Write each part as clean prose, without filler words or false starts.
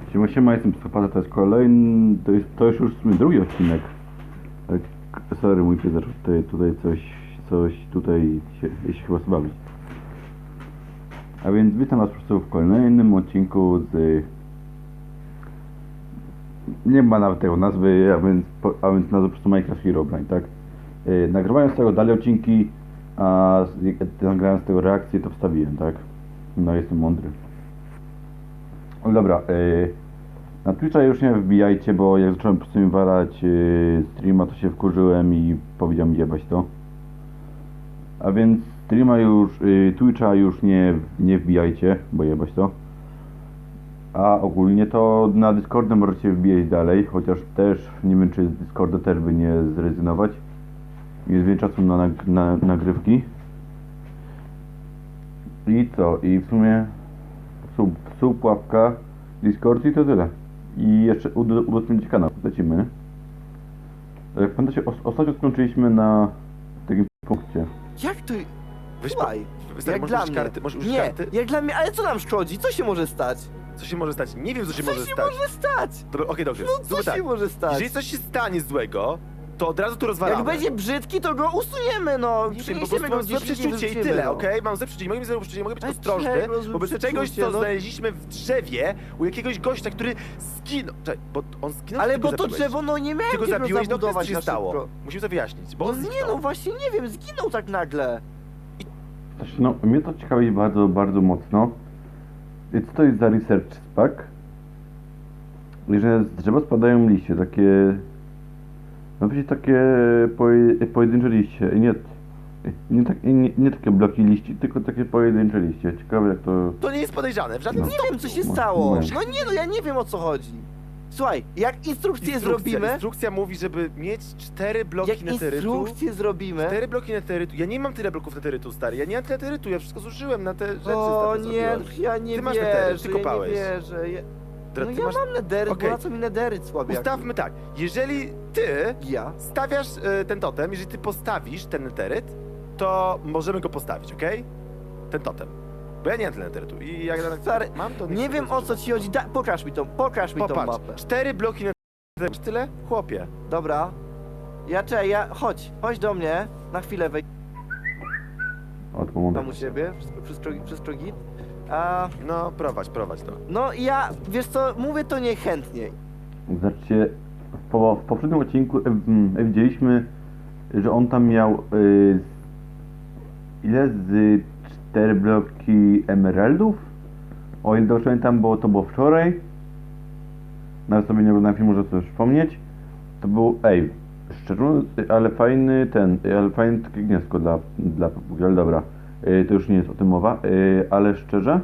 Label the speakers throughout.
Speaker 1: Siema, jestem Psychopata, to jest kolejny, to jest już w sumie drugi odcinek. Tak, sorry, mój pies zaczął tutaj coś tutaj się chyba bawić. A więc witam was po prostu w kolejnym odcinku z... Nie ma nawet tego nazwy, a więc nazwa po prostu Minecraft Herobrine, tak? Nagrywając z tego dalej odcinki, a nagrając z tego reakcję, to wstawiłem, tak? No, jestem mądry. No dobra, na Twitcha już nie wbijajcie, bo jak zacząłem po prostu walać streama, to się wkurzyłem i powiedziałem jebać to. A więc streama już, Twitcha już nie wbijajcie, bo jebać to. A ogólnie to na Discordzie możecie wbijać dalej, chociaż też nie wiem, czy z Discorda też by nie zrezygnować. Jest więcej czasu na nagrywki. I co? I w sumie sub, łapka, Discord i to tyle. I jeszcze udostępnić kanał. Lecimy. Jak pamiętacie, ostatnio skończyliśmy na takim punkcie.
Speaker 2: Jak to...
Speaker 3: Weź
Speaker 2: Słuchaj, jak
Speaker 3: możesz
Speaker 2: dla
Speaker 3: użyć
Speaker 2: mnie.
Speaker 3: karty, możesz użyć
Speaker 2: Nie,
Speaker 3: karty?
Speaker 2: jak dla mnie, ale co nam szkodzi? Co się może stać?
Speaker 3: Co się może stać? Nie wiem, co się
Speaker 2: Co
Speaker 3: może
Speaker 2: się
Speaker 3: stać.
Speaker 2: może stać?
Speaker 3: Dobra, okej, dobrze.
Speaker 2: No co
Speaker 3: Zróbmy
Speaker 2: się
Speaker 3: tak.
Speaker 2: może stać?
Speaker 3: Jeżeli coś się stanie złego, to od razu tu rozwalamy.
Speaker 2: Jak będzie brzydki, to go usuniemy, no.
Speaker 3: Nie wiem, po
Speaker 2: Przeniesiemy
Speaker 3: prostu
Speaker 2: go
Speaker 3: mam
Speaker 2: z
Speaker 3: złe
Speaker 2: wyrzucimy,
Speaker 3: przeczucie i
Speaker 2: wyrzucimy,
Speaker 3: tyle,
Speaker 2: no.
Speaker 3: okej? Mam złe przeczucie, mogę mieć złe przeczucie, mogę być
Speaker 2: Ale
Speaker 3: ostrożny,
Speaker 2: czego złe
Speaker 3: wobec czegoś,
Speaker 2: przeczucie,
Speaker 3: co
Speaker 2: no?
Speaker 3: znaleźliśmy w drzewie u jakiegoś gościa, który zginął. Czekaj, bo on zginął,
Speaker 2: Ale
Speaker 3: czy ty
Speaker 2: bo
Speaker 3: go
Speaker 2: to
Speaker 3: zabiłeś?
Speaker 2: drzewo, no nie miałem
Speaker 3: Ty go
Speaker 2: gdzie
Speaker 3: zabiłeś, no co
Speaker 2: zabudować
Speaker 3: się
Speaker 2: na
Speaker 3: stało?
Speaker 2: szybko.
Speaker 3: Musimy to wyjaśnić, bo
Speaker 2: No
Speaker 3: on
Speaker 2: nie,
Speaker 3: zginął.
Speaker 2: no właśnie nie wiem, zginął tak nagle.
Speaker 1: Znaczy, no, mnie to ciekawi bardzo, bardzo mocno. I co to jest za research pack? Że z drzewa spadają liście, takie... No przecież takie pojedyncze liście. I nie takie bloki liści, tylko takie pojedyncze liście. Ciekawe jak to...
Speaker 3: To nie jest podejrzane, w żadnym
Speaker 1: No.
Speaker 2: Nie wiem, co się
Speaker 1: No,
Speaker 2: stało.
Speaker 1: no.
Speaker 2: No nie, no ja nie wiem, o co chodzi. Słuchaj, jak instrukcję zrobimy...
Speaker 3: Instrukcja mówi, żeby mieć 4 bloki
Speaker 2: Jak
Speaker 3: neterytu.
Speaker 2: instrukcję zrobimy...
Speaker 3: 4 bloki neterytu. Ja nie mam tyle bloków neterytu, stary. Ja nie mam tyle neterytu, ja wszystko zużyłem na te rzeczy.
Speaker 2: O
Speaker 3: stary,
Speaker 2: nie,
Speaker 3: zrobiłem.
Speaker 2: ja nie
Speaker 3: Ty masz
Speaker 2: wierzę,
Speaker 3: nedery, ty
Speaker 2: ja nie
Speaker 3: kopałeś.
Speaker 2: wierzę.
Speaker 3: Dobra,
Speaker 2: No
Speaker 3: ty
Speaker 2: ja
Speaker 3: masz...
Speaker 2: mam nederyt,
Speaker 3: Okej.
Speaker 2: bo na co mi nederyt słaby?
Speaker 3: Ustawmy tak, jeżeli ty
Speaker 2: Ja?
Speaker 3: stawiasz ten totem, jeżeli ty postawisz ten neteryt, to możemy go postawić, okej? Ten totem. Bo ja nie mam tyle neterytu i jak
Speaker 2: Stary,
Speaker 3: mam to...
Speaker 2: Nie wiem o co ci chodzi, pokaż mi tą
Speaker 3: Popatrz,
Speaker 2: mapę.
Speaker 3: 4 bloki neterytu. Masz tyle? Chłopie.
Speaker 2: Dobra. Chodź do mnie, na chwilę wejdź
Speaker 1: Od
Speaker 2: tam u siebie, wszystko git. A,
Speaker 3: No, prowadź to.
Speaker 2: no ja, wiesz co, mówię to niechętnie.
Speaker 1: Znaczy, w poprzednim odcinku widzieliśmy, że on tam miał ile z 4 bloki emeraldów? O ile dobrze pamiętam, bo to było wczoraj. Nawet sobie nie oglądałem filmu, żeby sobie przypomnieć. To był, szczerze mówiąc, ale fajny takie gniazdko dla papugi, ale dobra. To już nie jest o tym mowa, ale szczerze.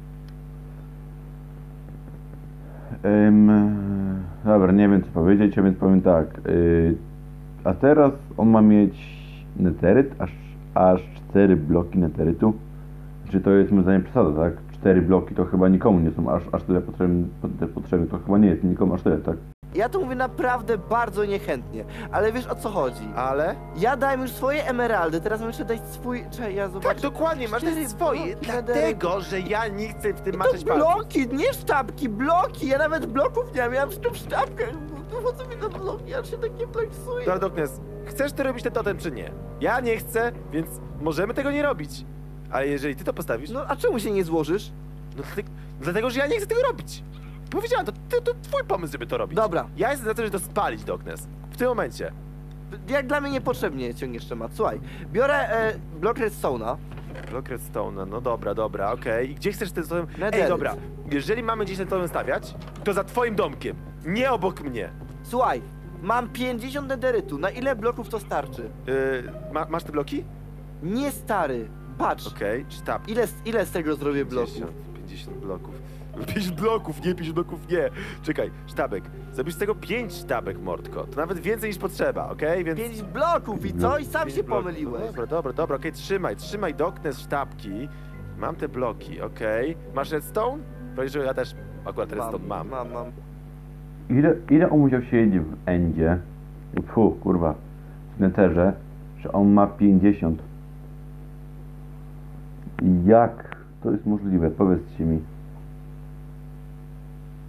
Speaker 1: Dobra, nie wiem co powiedzieć, a więc powiem tak. A teraz on ma mieć neteryt, aż 4 bloki neterytu. Czy to jest moim zdaniem przesada, tak? 4 bloki to chyba nikomu nie są aż tyle potrzebne, to chyba nie jest nikomu aż tyle, tak?
Speaker 2: Ja to mówię naprawdę bardzo niechętnie, ale wiesz o co chodzi.
Speaker 3: Ale?
Speaker 2: Ja dałem już swoje emeraldy, teraz mam jeszcze dać swój... Czekaj, ja zobaczę.
Speaker 3: Tak, dokładnie, masz
Speaker 2: 4
Speaker 3: te swoje,
Speaker 2: bloki
Speaker 3: dlatego, że ja nie chcę w tym
Speaker 2: To
Speaker 3: maczać palców.
Speaker 2: bloki, nie sztabki, bloki! Ja nawet bloków nie mam, ja mam wszystko w sztabkach. Po co mi te bloki? Ja się tak nie plaksuję.
Speaker 3: Dobra, Doknes, chcesz ty robić ten totem, czy nie? Ja nie chcę, więc możemy tego nie robić. Ale jeżeli ty to postawisz,
Speaker 2: No a czemu się nie złożysz?
Speaker 3: no dlatego, że ja nie chcę tego robić. Powiedziałem, to twój pomysł, żeby to robić.
Speaker 2: Dobra.
Speaker 3: Ja jestem za to, żeby to spalić, Doknes. W tym momencie.
Speaker 2: Jak dla mnie niepotrzebnie ciągniesz temat. Słuchaj, biorę blok redstone'a.
Speaker 3: Block redstone, no dobra, okej. I gdzie chcesz ten totem? Ej,
Speaker 2: Netheryt.
Speaker 3: dobra, jeżeli mamy gdzieś ten totem stawiać, to za twoim domkiem, nie obok mnie.
Speaker 2: Słuchaj, mam 50 nederytu. Na ile bloków to starczy?
Speaker 3: Masz te bloki?
Speaker 2: Nie stary, patrz.
Speaker 3: Okej, sztab.
Speaker 2: Ile z tego zrobię bloków?
Speaker 3: 50 bloków. 50 bloków, nie, 50 bloków, nie. Czekaj, sztabek. Zrobisz z tego 5 sztabek, mordko. To nawet więcej niż potrzeba, okej? Więc...
Speaker 2: 5 bloków i co? I sam
Speaker 3: 5
Speaker 2: się
Speaker 3: bloków.
Speaker 2: pomyliłeś.
Speaker 3: Dobra, okej, trzymaj Doknes sztabki. Mam te bloki, okej. Masz redstone? Powiedz, że ja też akurat redstone mam.
Speaker 2: Mam.
Speaker 1: Ile on musiał siedzieć w endzie? Kurwa. W netherze, że on ma 50. Jak to jest możliwe? Powiedzcie mi.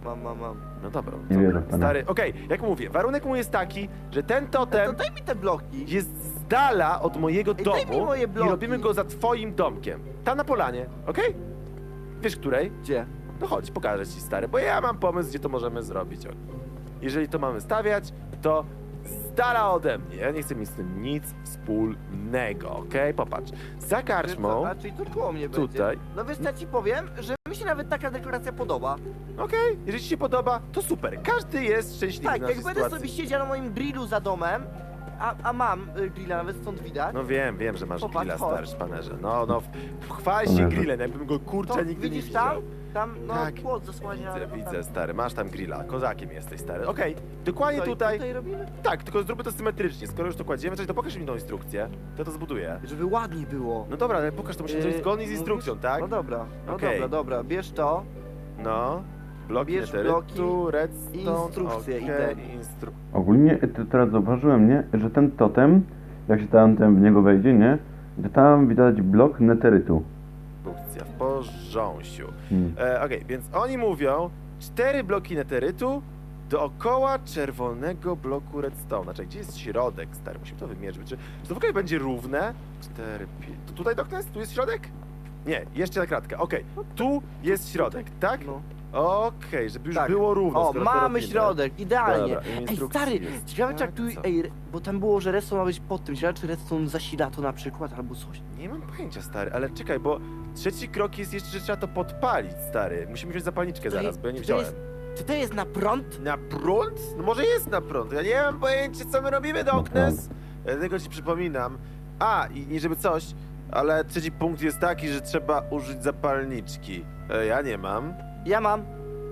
Speaker 2: Mam.
Speaker 3: No dobra.
Speaker 1: Nie wierzę w to, nie.
Speaker 3: Stary, okej, jak mówię, warunek mój jest taki, że ten
Speaker 2: To
Speaker 3: totem
Speaker 2: daj mi te bloki.
Speaker 3: jest z dala od mojego
Speaker 2: Ej, daj mi
Speaker 3: domu
Speaker 2: moje
Speaker 3: i
Speaker 2: bloki.
Speaker 3: robimy go za twoim domkiem. Tam na polanie, okej? Wiesz której?
Speaker 2: Gdzie?
Speaker 3: No chodź, pokażę ci, stary, bo ja mam pomysł, gdzie to możemy zrobić. Jeżeli to mamy stawiać, to z dala ode mnie. Ja nie chcę mieć z tym nic wspólnego, okej? Popatrz, za karczmą,
Speaker 2: A czyli to koło mnie będzie.
Speaker 3: tutaj,
Speaker 2: No wiesz co, ja ci powiem, że mi się nawet taka dekoracja podoba.
Speaker 3: okej, jeżeli ci się podoba, to super. Każdy jest szczęśliwy
Speaker 2: Tak,
Speaker 3: w naszej
Speaker 2: jak będę
Speaker 3: sytuacji.
Speaker 2: sobie siedział na moim grillu za domem, a mam grilla, nawet stąd widać,
Speaker 3: No wiem, że masz
Speaker 2: Popatrz,
Speaker 3: grilla,
Speaker 2: chodź.
Speaker 3: stary szpanerze. No, chwal się
Speaker 1: Szpanerze.
Speaker 3: grillem, jakbym go kurczę
Speaker 2: to
Speaker 3: nigdy nie
Speaker 2: widzisz
Speaker 3: widział.
Speaker 2: tam, no
Speaker 3: Tak.
Speaker 2: płot zasłania.
Speaker 3: Widzę, stary, masz tam grilla, kozakiem jesteś, stary. Okej, dokładnie
Speaker 2: Co, i
Speaker 3: tutaj.
Speaker 2: robimy?
Speaker 3: Tak, tylko zróbmy to symetrycznie. Skoro już to kładziemy, to pokaż mi tą instrukcję, to zbuduję.
Speaker 2: Żeby ładniej było.
Speaker 3: No dobra, ale pokaż, to musimy zrobić zgodnie z instrukcją,
Speaker 2: mówisz?
Speaker 3: tak?
Speaker 2: No dobra,
Speaker 3: Okej.
Speaker 2: dobra, bierz to.
Speaker 3: No, bloki
Speaker 2: Bierz
Speaker 3: netherytu,
Speaker 2: bloki
Speaker 3: redstone,
Speaker 2: i instrukcje, i
Speaker 3: okej,
Speaker 2: te.
Speaker 1: Ogólnie teraz zauważyłem, nie, że ten totem, jak się tam w niego wejdzie, nie, że tam widać blok netherytu.
Speaker 3: Instrukcja w porząsiu.
Speaker 1: Hmm.
Speaker 3: Okej, więc oni mówią 4 bloki netherytu dookoła czerwonego bloku redstone. Znaczy, gdzie jest środek, stary? Musimy to wymierzyć. Czy to w ogóle będzie równe? 4, 5... To tutaj Doknes? Tu jest środek? Nie, jeszcze na kratkę. Okej, tu jest środek, tak?
Speaker 2: No.
Speaker 3: Okej, żeby już
Speaker 2: Tak.
Speaker 3: było równo.
Speaker 2: O,
Speaker 3: skoro to
Speaker 2: mamy
Speaker 3: robimy.
Speaker 2: środek, idealnie.
Speaker 3: Dobra, i
Speaker 2: Ej,
Speaker 3: instrukcji
Speaker 2: stary,
Speaker 3: jest
Speaker 2: ciekawe czy
Speaker 3: tak,
Speaker 2: jak tu,
Speaker 3: co?
Speaker 2: bo tam było, że redstone ma być pod tym, ciekawe czy redstone zasila to na przykład, albo coś.
Speaker 3: Nie mam pojęcia, stary, ale czekaj, bo trzeci krok jest jeszcze, że trzeba to podpalić, stary. Musimy wziąć zapalniczkę
Speaker 2: To
Speaker 3: zaraz,
Speaker 2: jest-
Speaker 3: bo ja nie
Speaker 2: to
Speaker 3: wziąłem.
Speaker 2: jest- Czy to jest na prąd?
Speaker 3: Na prąd? No może jest na prąd. Ja nie mam pojęcia, co my robimy, Doknes. Dlatego ci przypominam. A, i nie żeby coś, ale trzeci punkt jest taki, że trzeba użyć zapalniczki. Ja nie mam.
Speaker 2: Ja mam,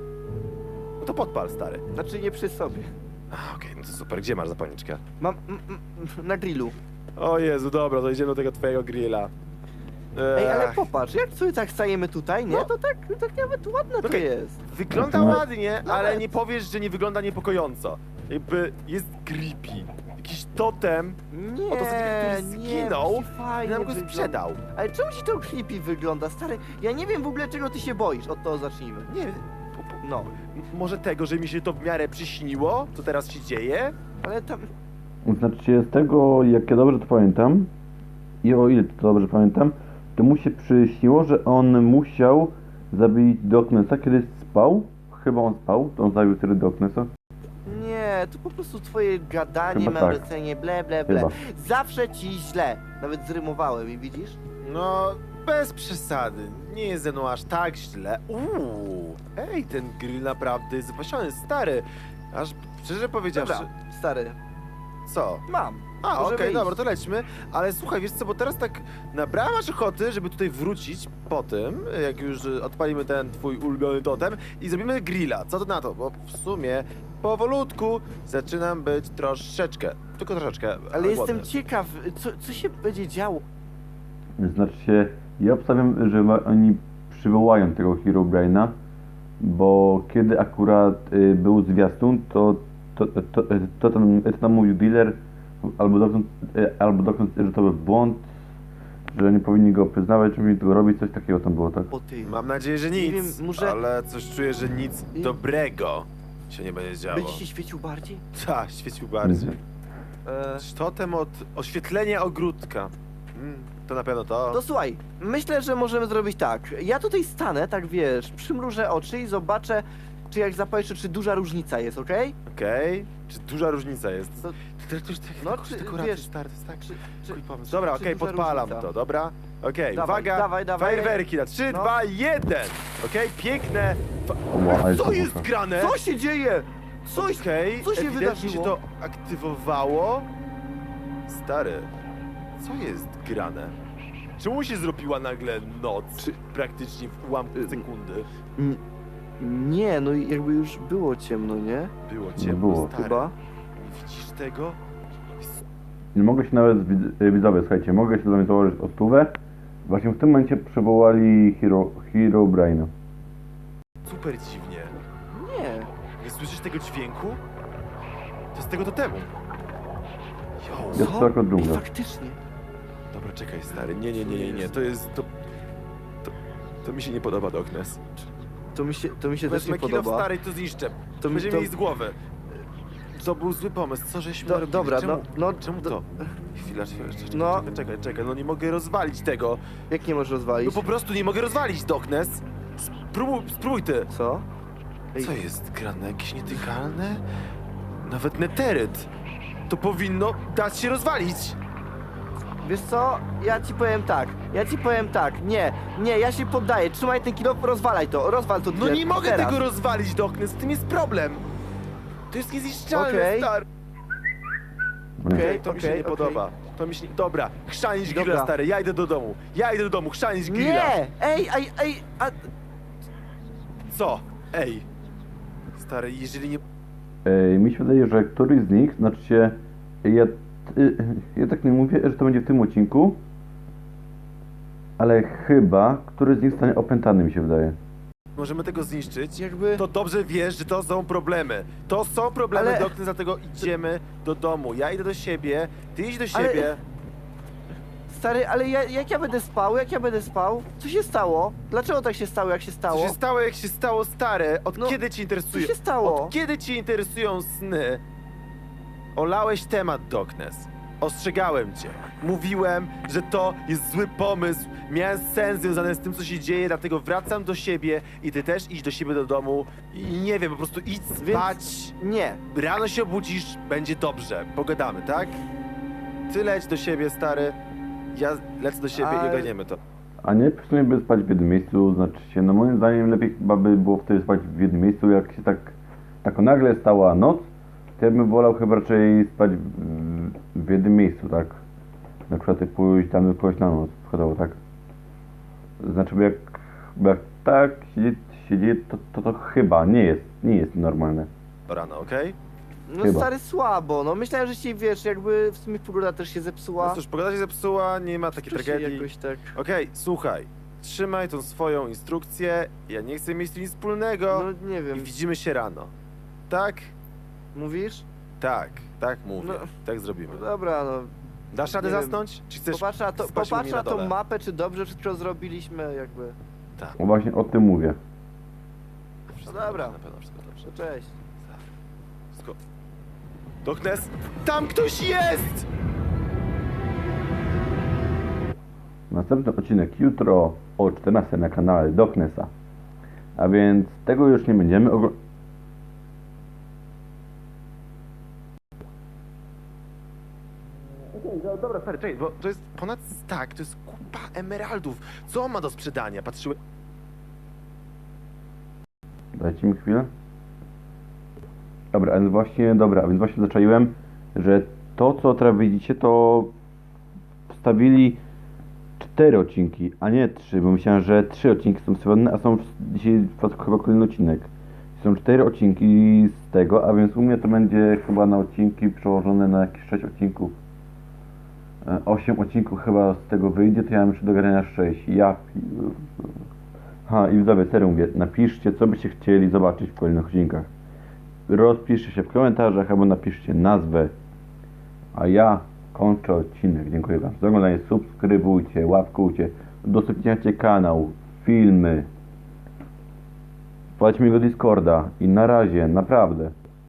Speaker 3: No to podpal, stary.
Speaker 2: znaczy nie przy sobie.
Speaker 3: Okej, no to super. Gdzie masz zapalniczkę?
Speaker 2: Mam na grillu.
Speaker 3: O Jezu, dobra, to idziemy do tego twojego grilla.
Speaker 2: Ej, ale
Speaker 3: Ech,
Speaker 2: popatrz, jak sobie tak stajemy tutaj, nie?
Speaker 3: No.
Speaker 2: To tak nawet ładne to
Speaker 3: Okej.
Speaker 2: jest.
Speaker 3: Wygląda
Speaker 1: No.
Speaker 3: ładnie, ale
Speaker 2: Nawet.
Speaker 3: nie powiesz, że nie wygląda niepokojąco. Jakby jest creepy. Jakiś totem
Speaker 2: Nie,
Speaker 3: Oto który zginął
Speaker 2: musi
Speaker 3: i
Speaker 2: fajnie
Speaker 3: nam go
Speaker 2: wygląda.
Speaker 3: sprzedał.
Speaker 2: Ale czemu ci to creepy wygląda, stary? Ja nie wiem w ogóle czego ty się boisz, od toho zacznijmy.
Speaker 3: Nie,
Speaker 2: No,
Speaker 3: może tego, że mi się to w miarę przyśniło, co teraz się dzieje?
Speaker 2: ale tam...
Speaker 1: Znaczy się z tego, jak ja dobrze to pamiętam i o ile to dobrze pamiętam, to mu się przyśniło, że on musiał zabić Doknesa, kiedy spał. Chyba on spał, to on zabił wtedy Doknesa.
Speaker 2: Nie, to po prostu twoje gadanie,
Speaker 1: Chyba tak.
Speaker 2: mędrcenie, ble, ble, ble.
Speaker 1: Chyba.
Speaker 2: Zawsze ci źle. Nawet zrymowałem i widzisz?
Speaker 3: No, bez przesady. Nie jest ze mną aż tak źle. Ej, ten grill naprawdę jest wypasiony, stary. Aż szczerze powiedziawszy...
Speaker 2: Dobra, stary,
Speaker 3: Co?
Speaker 2: mam.
Speaker 3: A,
Speaker 2: Możemy
Speaker 3: okej,
Speaker 2: iść.
Speaker 3: dobra, to lećmy. Ale słuchaj, wiesz co, bo teraz tak nabrałem aż ochoty, żeby tutaj wrócić po tym, jak już odpalimy ten twój ulubiony totem i zrobimy grilla. Co to na to? Bo w sumie powolutku zaczynam być troszeczkę, tylko troszeczkę
Speaker 2: Ale jestem
Speaker 3: głodny.
Speaker 2: ciekaw, co się będzie działo.
Speaker 1: Znaczy się, ja obstawiam, że oni przywołają tego Herobrine'a, bo kiedy akurat był zwiastun, to tam mówił dealer albo doktor, że to był błąd, że nie powinni go przyznawać, że powinni tego robić, coś takiego tam było, tak?
Speaker 2: O ty,
Speaker 3: Mam nadzieję, że nic,
Speaker 2: Nie wiem, może-
Speaker 3: ale coś czuję, że nic
Speaker 2: I-
Speaker 3: dobrego się nie będzie działo.
Speaker 2: będzie się świecił bardziej?
Speaker 3: Tak, świecił bardziej.
Speaker 2: E,
Speaker 3: Totem od oświetlenia ogródka. To na pewno to.
Speaker 2: To słuchaj, myślę, że możemy zrobić tak. Ja tutaj stanę, tak wiesz, przymrużę oczy i zobaczę, czy jak zapalisz, czy duża różnica jest, okej?
Speaker 3: Okej. Czy duża różnica jest?
Speaker 2: To-
Speaker 3: To już tak,
Speaker 2: No,
Speaker 3: no,
Speaker 2: czy,
Speaker 3: dekoracje,
Speaker 2: wiesz,
Speaker 3: stary, to jest tak.
Speaker 2: Czy,
Speaker 3: Twój pomysł.
Speaker 2: czy-
Speaker 3: Dobra,
Speaker 2: czy
Speaker 3: okej,
Speaker 2: duża
Speaker 3: podpalam
Speaker 2: różnica?
Speaker 3: to, dobra? Okej,
Speaker 2: Dawaj,
Speaker 3: uwaga,
Speaker 2: dawaj, dawaj.
Speaker 3: fajerwerki na 3,
Speaker 2: No.
Speaker 3: 2, 1! Okej, piękne.
Speaker 1: Ła, ale
Speaker 3: Co
Speaker 1: to
Speaker 3: jest
Speaker 1: muszę.
Speaker 3: grane?
Speaker 2: Co się dzieje? Coś...
Speaker 3: Okej,
Speaker 2: co się
Speaker 3: ewidentnie
Speaker 2: wydarzyło?
Speaker 3: się to aktywowało. Stary, co jest grane? Czemu się zrobiła nagle noc? Praktycznie w ułamku sekundy.
Speaker 2: Nie, no i jakby już było ciemno, nie?
Speaker 3: Było ciemno,
Speaker 1: było.
Speaker 3: stary.
Speaker 2: Chyba.
Speaker 3: Nie widzisz tego? Jest
Speaker 1: Nie mogę się nawet, widzowie, słuchajcie, mogę się do mnie założyć o stówę. Właśnie w tym momencie przywołali Herobrine'a.
Speaker 3: super dziwnie.
Speaker 2: Nie.
Speaker 3: Nie słyszysz tego dźwięku? To z tego totemu. Jo,
Speaker 1: Jest
Speaker 2: Co?
Speaker 1: to jako
Speaker 2: Ej,
Speaker 1: dżungla.
Speaker 2: faktycznie.
Speaker 3: dobra, czekaj, stary. Nie. To jest... To mi się nie podoba, Doknes.
Speaker 2: To mi się też
Speaker 3: Wezmę
Speaker 2: nie
Speaker 3: kilo
Speaker 2: podoba.
Speaker 3: stary i to zniszczę.
Speaker 2: To mi-
Speaker 3: Będziemy
Speaker 2: to-
Speaker 3: mieli z głowy. To był zły pomysł, co żeśmy robili?
Speaker 2: Dobra,
Speaker 3: czemu,
Speaker 2: no,
Speaker 3: czemu to? Chwila, czekaj,
Speaker 2: No.
Speaker 3: czekaj, no nie mogę rozwalić tego.
Speaker 2: Jak nie możesz
Speaker 3: No
Speaker 2: rozwalić?
Speaker 3: po prostu nie mogę rozwalić, Doknes. Spróbuj ty.
Speaker 2: Co? Ej,
Speaker 3: Co jest grane? Jakieś nietykalne? Nawet neteryt. To powinno dać się rozwalić.
Speaker 2: wiesz co? Ja ci powiem tak. Nie, ja się poddaję. Trzymaj ten kilo, rozwal to.
Speaker 3: No nie mogę
Speaker 2: teraz.
Speaker 3: tego rozwalić, Doknes, z tym jest problem. To jest niezniszczalne,
Speaker 2: Okej.
Speaker 3: stary.
Speaker 2: Okej,
Speaker 3: To mi się
Speaker 2: okej,
Speaker 3: nie
Speaker 2: okej.
Speaker 3: podoba. To mi się nie... Dobra, chrzanić grilla,
Speaker 2: Dobra.
Speaker 3: stary, ja idę do domu, chrzanić grilla.
Speaker 2: Nie! Ej, a...
Speaker 3: Co? Ej. Stary, jeżeli nie...
Speaker 1: Mi się wydaje, że któryś z nich, znaczy się, ja tak nie mówię, że to będzie w tym odcinku, ale chyba któryś z nich stanie opętany, mi się wydaje.
Speaker 3: możemy tego zniszczyć,
Speaker 2: Jakby...
Speaker 3: to dobrze wiesz, że to są problemy. To są problemy,
Speaker 2: Ale-
Speaker 3: Doknes, dlatego idziemy do domu. Ja idę do siebie, ty idź do
Speaker 2: Ale-
Speaker 3: siebie.
Speaker 2: Stary, ale jak ja będę spał? Co się stało? Dlaczego tak się stało, jak się
Speaker 3: Co
Speaker 2: stało?
Speaker 3: się stało, jak się stało, stare? Od
Speaker 2: No,
Speaker 3: kiedy ci interesuje?
Speaker 2: co się stało?
Speaker 3: Od kiedy ci interesują sny? Olałeś temat, Doknes. Ostrzegałem cię. Mówiłem, że to jest zły pomysł. Miałem sens związany z tym, co się dzieje, dlatego wracam do siebie i ty też idź do siebie do domu i nie wiem, po prostu idź spać.
Speaker 2: Nie.
Speaker 3: Rano się obudzisz, będzie dobrze. Pogadamy, tak? Ty leć do siebie, stary. Ja lecę do siebie i
Speaker 2: Ale-
Speaker 3: ogarniemy to.
Speaker 1: A nie przynajmniej by spać w jednym miejscu, znaczy się, no moim zdaniem lepiej chyba by było wtedy spać w jednym miejscu, jak się tak nagle stała noc, to ja bym wolał chyba raczej spać w jednym miejscu, tak? Na przykład pójść na noc, przykładowo, tak? Znaczy, bo jak tak się dzieje, to chyba nie jest normalne.
Speaker 3: Rano, okej?
Speaker 2: No
Speaker 1: Chyba.
Speaker 2: stary, słabo. No myślałem, że ci, wiesz, jakby w sumie pogoda też się zepsuła.
Speaker 3: No cóż, pogoda się zepsuła, nie ma takiej
Speaker 2: To się
Speaker 3: tragedii.
Speaker 2: jakoś tak...
Speaker 3: Okej, słuchaj. Trzymaj tą swoją instrukcję. Ja nie chcę mieć z tym nic wspólnego.
Speaker 2: No nie wiem.
Speaker 3: I widzimy się rano. Tak?
Speaker 2: Mówisz?
Speaker 3: Tak mówię.
Speaker 2: No.
Speaker 3: Tak zrobimy.
Speaker 2: No dobra, no.
Speaker 3: Dasz radę
Speaker 2: nie wiem.
Speaker 3: zasnąć? Czy chcesz
Speaker 2: Popatrz na,
Speaker 3: spać u mnie na
Speaker 2: tą
Speaker 3: dole?
Speaker 2: mapę, czy dobrze wszystko zrobiliśmy, jakby.
Speaker 3: Tak.
Speaker 1: No właśnie o tym mówię.
Speaker 3: Wszystko
Speaker 2: No dobra.
Speaker 3: dobrze, na pewno wszystko dobrze.
Speaker 2: To cześć.
Speaker 3: Wszystko... Doknes! Tam ktoś jest!
Speaker 1: Następny odcinek jutro o 14 na kanale Doknesa. A więc tego już nie będziemy oglądać.
Speaker 3: Dobra, stary, czekaj, bo to jest ponad stack, to jest kupa emeraldów. Co on ma do sprzedania? Patrzyłem...
Speaker 1: Dajcie mi chwilę. Dobra, a więc właśnie zaczaiłem, że to co teraz widzicie, to wstawili 4 odcinki, a nie 3, bo myślałem, że 3 odcinki są wstawione, a są dzisiaj chyba kolejny odcinek. Są 4 odcinki z tego, a więc u mnie to będzie chyba na odcinki przełożone na jakieś 6 odcinków. 8 odcinków chyba z tego wyjdzie, to ja mam jeszcze do grania 6. I widzowie, serio mówię, napiszcie, co byście chcieli zobaczyć w kolejnych odcinkach. Rozpiszcie się w komentarzach, albo napiszcie nazwę. A ja kończę odcinek. Dziękuję wam za oglądanie. Subskrybujcie, łapkujcie, udostępniajcie kanał, filmy. Wpadźcie mi do Discorda i na razie, naprawdę.